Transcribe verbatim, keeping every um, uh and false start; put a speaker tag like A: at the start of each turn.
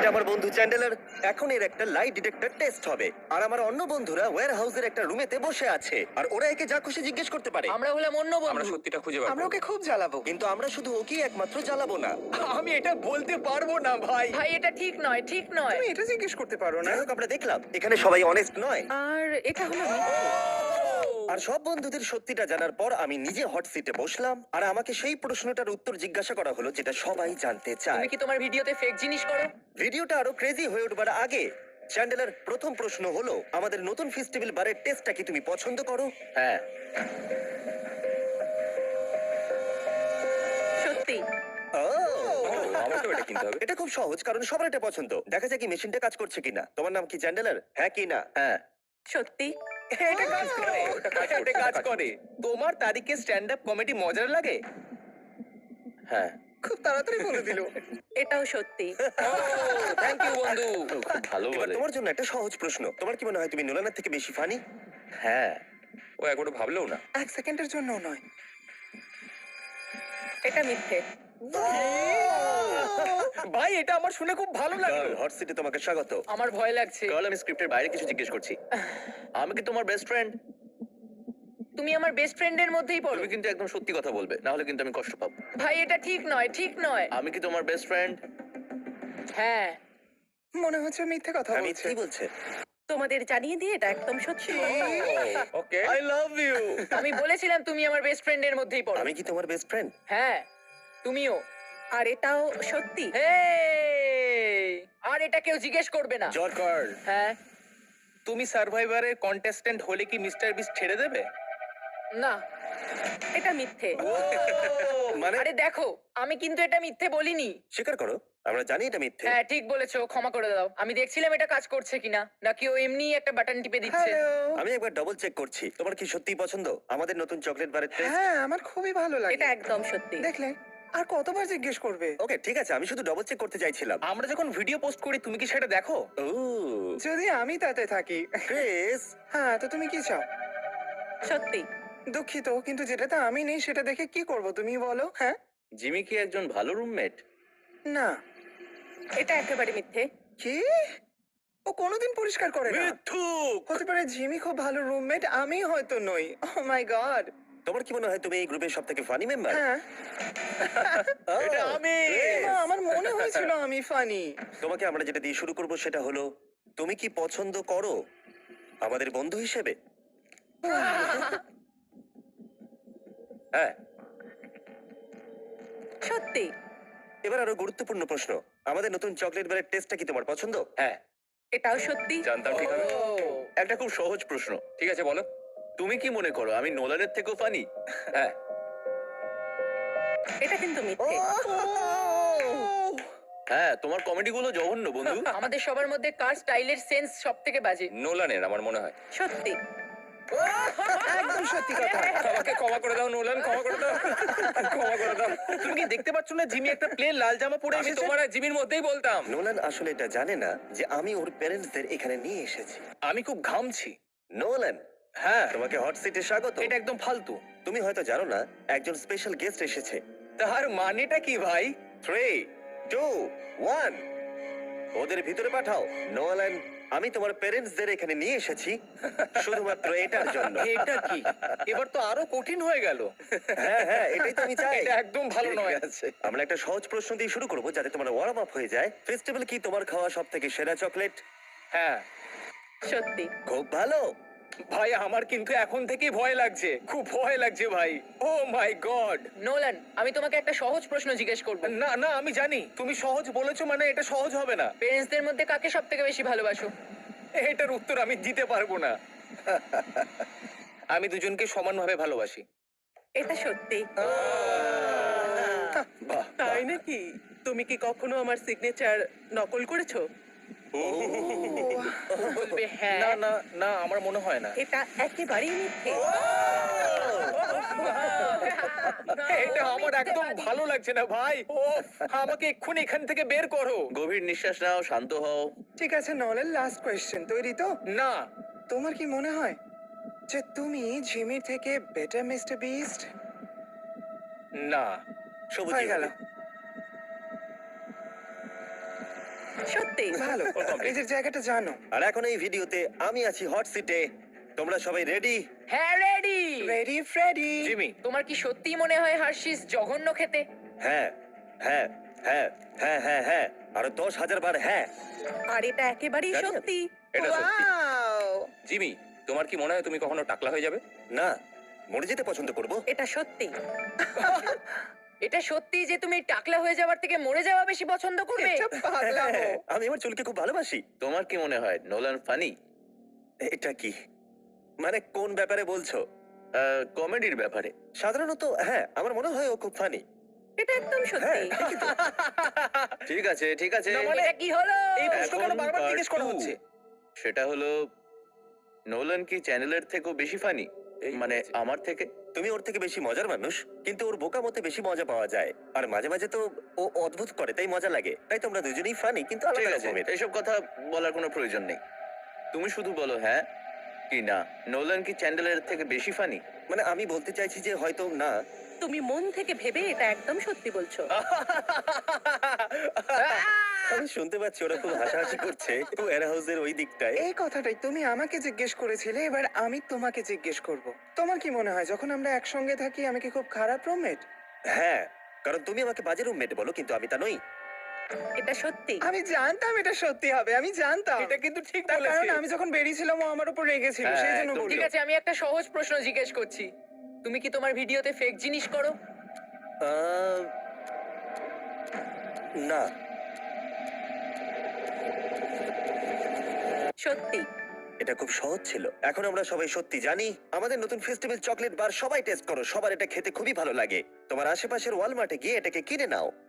A: এটা আমার বন্ধু চ্যান্ডেলার। এখন এর একটা লাই ডিটেক্টর টেস্ট হবে, আর আমার অন্য বন্ধুরা ওয়্যার হাউসের একটা রুমেতে বসে আছে, আর ওরা একে যা খুশি জিজ্ঞেস করতে পারে।
B: আমরা হলাম অন্য
C: আমরা
B: বন্ধু।
C: সত্যিটা খুঁজে বার
D: আমরা
C: করব।
D: ওকে খুব জ্বালাবো।
A: কিন্তু আমরা শুধু ওকেই একমাত্র জ্বালাবো না।
D: আমি এটা বলতে পারবো না ভাই।
B: ভাই এটা ঠিক নয়, ঠিক নয়।
D: তুমি এটা জিজ্ঞেস করতে পারো না।
A: যাই হোক, আমরা দেখলাম এখানে সবাই অনেস্ট নয়,
B: আর এটা হলো মিথ্যে।
A: আর সব বন্ধুদের সত্যিটা জানার পর আমি নিজে হট সিটে বসলাম, আর আমাকে সেই প্রশ্নটার উত্তর জিজ্ঞাসা করা হলো যেটা সবাই জানতে চায়।
B: তুমি কি তোমার ভিডিওতে ফেক জিনিস করো?
A: ভিডিওটা আরো ক্রেজি হয়ে উঠবার আগে চ্যান্ডেলার প্রথম প্রশ্ন হলো, আমাদের নতুন ফেস্টিভ্যাল বারের টেস্টটা কি তুমি পছন্দ করো?
C: হ্যাঁ,
B: সত্যি?
A: ও,
C: আমাকেও এটা কিনতে হবে।
A: এটা খুব সহজ, কারণ সবার এটা পছন্দ। দেখা যাক কি মেশিনটা কাজ করছে কিনা। তোমার নাম কি চ্যান্ডেলার? হ্যাঁ কি না?
C: হ্যাঁ,
B: সত্যি?
D: এটা কাজ করে।
C: ওটা কাজ করছে,
D: এটা কাজ
C: কাজ
D: করে। তোমার তারিখে স্ট্যান্ড আপ কমেডি মজার লাগে?
C: হ্যাঁ।
D: খুব তাড়াতাড়ি বলে দিল।
B: এটাও সত্যি।
C: থ্যাংক ইউ বন্ধু। খুব ভালো
A: এবার
C: বলে।
A: তোমার জন্য একটা সহজ প্রশ্ন। তোমার কি মনে হয় তুমি নোলানের থেকে বেশি ফানি?
C: হ্যাঁ, ও একবারও ভাবলেও না।
D: এক সেকেন্ডের জন্য নয়।
B: এটা মিথ্যে।
D: ভাই এটা আমার শুনে খুব ভালো লাগলো।
A: হট সিটে তোমাকে স্বাগত।
B: আমার ভয় লাগছে।
C: কাল আমি স্ক্রিপ্টের বাইরে কিছু জিজ্ঞেস করছি। আমি কি তোমার বেস্ট ফ্রেন্ড?
B: তুমি আমার বেস্ট ফ্রেন্ডের মধ্যেই পড়ো।
C: তুমি কিন্তু একদম সত্যি কথা বলবে, না হলে কিন্তু আমি কষ্ট পাবো।
B: ভাই এটা ঠিক নয়, ঠিক নয়।
C: আমি কি তোমার বেস্ট ফ্রেন্ড?
B: হ্যাঁ।
D: মনে হচ্ছে মিথ্যে কথা
A: আমি
D: বলছে।
A: কি বলছে?
B: তোমাদের জানিয়ে দিয়ে এটা একদম সত্যি।
C: Okay, I love you.
B: আমি বলেছিলাম তুমি আমার বেস্ট ফ্রেন্ডের মধ্যেই পড়ো।
A: আমি কি তোমার বেস্ট ফ্রেন্ড?
B: হ্যাঁ, তুমিও।
E: আর এটাও সত্যি।
B: হেই! আর এটা কেউ জিজ্ঞেস করবে না।
A: জর্জ,
D: কার্ল,
B: হ্যাঁ?
D: তুমি সার্ভাইভারের কন্টেস্ট্যান্ট হলে কি মিস্টার বিস্ট ছেড়ে দেবে?
B: না।
E: এটা মিথ্যে।
A: মানে
B: আরে দেখো, আমি কিন্তু এটা মিথ্যে বলিনি।
A: স্বীকার করো, আমরা জানি এটা মিথ্যে।
B: হ্যাঁ, ঠিক বলেছো, ক্ষমা করে দাও। আমি দেখছিলাম এটা কাজ করছে কিনা, নাকি ও এমনি একটা বাটন টিপে দিচ্ছে।
D: হ্যালো।
A: আমি একবার ডবল চেক করছি। তোমার কি সত্যিই পছন্দ আমাদের নতুন চকলেট বারের টেস্ট?
D: হ্যাঁ, আমার খুবই ভালো লাগে।
E: এটা একদম সত্যি।
D: দেখলে আর কতবার জিজ্ঞেস করবে?
A: ওকে, ঠিক আছে, আমি শুধু ডবল চেক করতে চাইছিলাম।
D: আমরা যখন ভিডিও পোস্ট করি তুমি কি সেটা দেখো?
A: ও,
D: যদি আমি তাতে থাকি।
A: ক্রিস,
D: হ্যাঁ, তো তুমি কি চাও?
E: সত্যি।
D: দুঃখিত, কিন্তু যেটাতে আমি নেই সেটা দেখে কি করব তুমি বলো? হ্যাঁ,
C: জিমি কি একজন ভালো রুমমেট?
D: না।
E: এটা একেবারে মিথ্যে।
D: কি? ও কোনোদিন পরিষ্কার করে না।
A: মিথ্যুক।
D: হতে পারে জিমি খুব ভালো রুমমেট, আমি হয়তো নই। Oh my God.
A: তোমার কি মনে হয় তুমি এই গ্রুপের সবথেকে ফানি মেম্বার?
D: হ্যাঁ,
A: এটা আমি।
D: না, আমার মনে হয়েছিল আমি ফানি।
A: তোমাকে আমরা যেটা দিয়ে শুরু করব সেটা হলো, তুমি কি পছন্দ করো আমাদের বন্ধু হিসেবে?
C: হ্যাঁ।
E: সত্যি।
A: এবার আরো গুরুত্বপূর্ণ প্রশ্ন, আমাদের নতুন চকলেট বারের টেস্টটা কি তোমার পছন্দ?
C: হ্যাঁ,
E: এটাও সত্যি।
C: জানতাম ঠিক হবে। একটা খুব সহজ প্রশ্ন। ঠিক আছে, বলো। তুমি কি মনে করো আমি নোলানের থেকেও ফানি? হ্যাঁ।
E: এটা কিন্তু মিথ্যে।
C: হ্যাঁ, তোমার কমেডি গুলো জঘন্য বন্ধু।
B: আমাদের সবার মধ্যে কার স্টাইলের সেন্স সব থেকে বাজে?
C: নোলানের আমার মনে হয়।
E: সত্যি।
D: একদম সত্যি কথা।
C: আমাকে ক্ষমা করে দাও নোলান, ক্ষমা করে দাও, ক্ষমা করে দাও।
D: তুমি কি দেখতে পাচ্ছ না জিমি একটা প্লেন লাল জামা পরে
C: আমি
D: এসেছে?
C: তোমার আর জিমির মধ্যেই বলতাম।
A: নোলান আসলে এটা জানে না যে আমি ওর প্যারেন্টসদের এখানে নিয়ে এসেছি।
D: আমি খুব ঘামছি।
A: নোলান,
D: হ্যাঁ,
A: তোমাকে হট সিটে স্বাগত।
D: এটা একদম ফালতু।
A: তুমি হয়তো জানো না, একজন স্পেশাল গেস্ট এসেছে।
D: তার মানেটা কি ভাই?
A: থ্রি, টু, ওয়ান, ওদের ভিতরে পাঠাও। নোলান, আমি তোমার প্যারেন্টসদের এখানে নিয়ে এসেছি শুধুমাত্র এটার জন্য।
D: এটা কি? এবার তো আরো কঠিন হয়ে গেল।
A: হ্যাঁ হ্যাঁ, এটাই তো আমি চাই।
D: এটা একদম ভালো
A: ঠিক
D: নয়।
A: আছে, আমরা একটা সহজ প্রশ্ন দিয়ে শুরু করবো যাতে তোমার ওয়ার্ম আপ হয়ে যায়। ফেস্টিভ্যাল কি তোমার খাওয়া সব থেকে সেরা চকলেট?
D: হ্যাঁ
E: সত্যি।
A: খুব ভালো।
D: ভাই, আমার কিন্তু এখন থেকেই ভয় লাগছে, খুব ভয় লাগছে ভাই। ও মাই গড।
B: নোলান, আমি তোমাকে একটা সহজ প্রশ্ন জিজ্ঞেস করব।
D: না না, আমি জানি তুমি সহজ বলেছো মানে এটা সহজ হবে না।
B: পেরেন্টসদের মধ্যে কাকে সব থেকে বেশি ভালোবাসো?
D: এটার উত্তর আমি দিতে পারবো না। আমি দুজনকে সমানভাবে ভালোবাসি।
E: এটা সত্যি।
A: বাহ,
E: তাই নাকি? তুমি কি কখনো আমার সিগনেচার নকল করেছো?
B: বলবে হ্যাঁ।
D: না না না, আমার মনে হয় না।
E: এটা একেবারেই মিথ্যে।
D: এটা আমার একদম ভালো লাগছে না ভাই। ও, আমাকে এক্ষুনি এখান থেকে বের করো।
C: গভীর নিঃশ্বাস নাও, শান্ত হও।
D: ঠিক আছে, নলের লাস্ট কোয়েশ্চেন তৈরি তো? না। তোমার কি মনে হয় যে তুমি জিমির থেকে বেটার মিস্টার বিস্ট? না।
A: সবুজ
D: হয়ে গেল।
E: সত্যি
D: ভালো নিজের জায়গাটা জানো।
A: আর এখন এই ভিডিওতে আমি আছি হট সিটে। তোমরা সবাই রেডি?
B: হ্যাঁ রেডি।
D: Ready Freddie.
C: জিমি,
B: তোমার কি সত্যি মনে হয় হার্শিস জঘন্য খেতে?
A: হ্যাঁ হ্যাঁ হ্যাঁ হ্যাঁ হ্যাঁ হ্যাঁ আরো দশ হাজার বার হ্যাঁ।
E: আর এটা একেবারেই
A: জানি না।
E: সত্যি।
C: এটা সত্যি।
D: Wow!
C: জিমি, তোমার কি মনে হয় তুমি কখনো টাকলা হয়ে যাবে?
A: না, মরে যেতে পছন্দ করব।
E: এটা সত্যি।
B: এটা সত্যি যে তুমি টাকলা হয়ে যাওয়ার থেকে মরে যাওয়া বেশি পছন্দ করবে?
D: এটা পাগলামো।
A: আমি আমার চুলকে খুব ভালোবাসি।
C: তোমার কি মনে হয় নোলান ফানি?
A: এটা কি মানে কোন ব্যাপারে বলছো?
C: কমেডির ব্যাপারে।
A: সাধারণত হ্যাঁ, আমার মনে হয় ও খুব ফানি।
E: এটা একদম
A: হ্যাঁ
E: সত্যি।
A: ঠিকই তো।
C: ঠিক আছে, ঠিক আছে।
B: এটা কি হলো?
D: এই প্রশ্ন কেন
C: এখন
D: বারবার
C: part
D: জিজ্ঞেস করা
C: two।
D: হচ্ছে?
C: সেটা হলো নোলান কি চ্যানেলের থেকেও বেশি ফানি? মানে আমার থেকে?
A: তুমি ওর থেকে বেশি মজার মানুষ, কিন্তু ওর বোকা মতে বেশি মজা পাওয়া যায়। আর মাঝে মাঝে তো ও অদ্ভুত করে, তাই মজা লাগে। তাই তোমরা দুজনেই ফানি, কিন্তু
C: ঠিক
A: আলাদা
C: আছে,
A: রকমের।
C: এইসব কথা বলার কোনো প্রয়োজন নেই। তুমি শুধু বলো হ্যাঁ কি না। নোলান কি চ্যান্ডেলের থেকে বেশি ফানি?
A: মানে আমি বলতে চাইছি যে হয়তো না।
E: তুমি মন থেকে ভেবে এটা একদম সত্যি বলছো।
A: আমি শুনতে পাচ্ছি ওরা খুব হাসাহাসি করছে ওয়ার হাউসের ওই দিকটায়।
D: এই কথাটাই তুমি আমাকে জিজ্ঞেস করেছিলে, এবার আমি তোমাকে জিজ্ঞেস করব। তোমার কি মনে হয় যখন আমরা একসঙ্গে থাকি আমি কি খুব খারাপ রুমমেট?
A: হ্যাঁ, কারণ তুমি আমাকে বাজে রুমমেট বলো, কিন্তু আমি তা নই।
E: এটা সত্যি।
D: আমি জানতাম এটা সত্যি হবে, আমি জানতাম।
C: এটা কিন্তু ঠিক
D: তার
C: বলেছে।
D: কারণ আমি যখন বেরিয়েছিলাম ও আমার উপর রেগেছিল,
C: হ্যাঁ,
D: সেই জন্য
C: একদম
D: বললো।
B: ঠিক আছে, আমি একটা সহজ প্রশ্ন জিজ্ঞেস করছি। তুমি কি তোমার ভিডিওতে ফেক জিনিস করো?
A: আহ, না।
E: সত্যি।
A: এটা খুব সহজ ছিল। এখন আমরা সবাই সত্যি জানি আমাদের নতুন ফেস্টিভ্যাল চকলেট বার সবাই টেস্ট করো। সবার এটা খেতে খুবই ভালো লাগে। তোমার আশেপাশের ওয়ালমার্টে গিয়ে এটাকে কিনে নাও।